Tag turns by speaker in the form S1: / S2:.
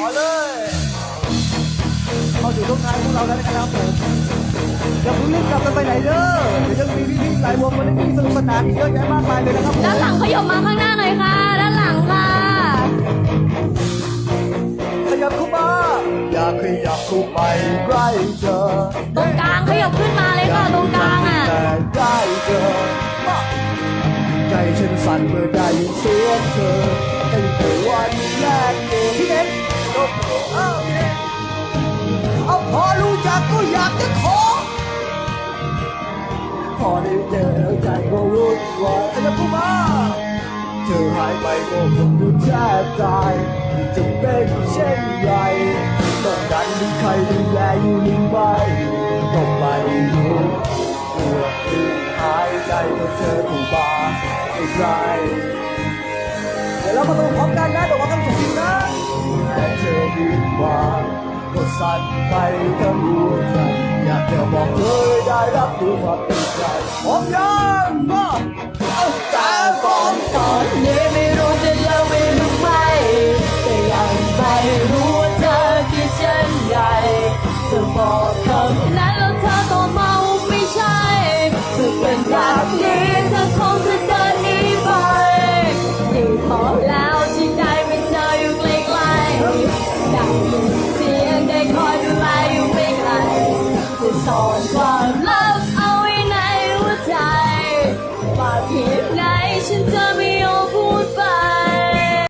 S1: อเลยเข้าสู่ช่วงท้ายของเราแล้วนะครับผมอย่าเพิ่งรีบกลับกันไปไหนเด้อเดี๋ยวยังมีพี่ๆหลายวงมาเล่นที่สนุกสนานอีกเยอะแยะมากมายเลยนะครับผม
S2: ด้านหลังขยับมาข้างหน้าหน่อยค่ะด้านหลังค่ะ
S1: ขยับเข้ามาอยากขยับเข้าไปใกล้เธอ
S2: ตรงกลางขยับขึ้นมาเลยค่ะตรงกลางอ่ะ
S1: ใกล้เธอใจฉันสั่นเมื่อได้ยินเสียงเธอตั้งแต่วันแรกเจอพี่เน็ตเอาพอรู้จักก็อยากจะขอพอได้เจอแล้วใจก็รู้ว่าจะพูดมาเธอหายไปก็คงรู้แทบตายจะเป็นเช่นไรต้องการมีใครดูแลอยู่หรือไม่ก็ไม่รู้เมื่อคืนหายใจเมื่อเธอถูกบาใกล้เดี๋ยวเรามาดูพร้อมกันนะเดี๋ยวว่ากันจริงนะแต่เธอดีกว่าก็สั่นไปทั้งหัวใจอยากจะบอกเธอได้รับรู้ความเป็นใจพร้อมยังก็เอาใจ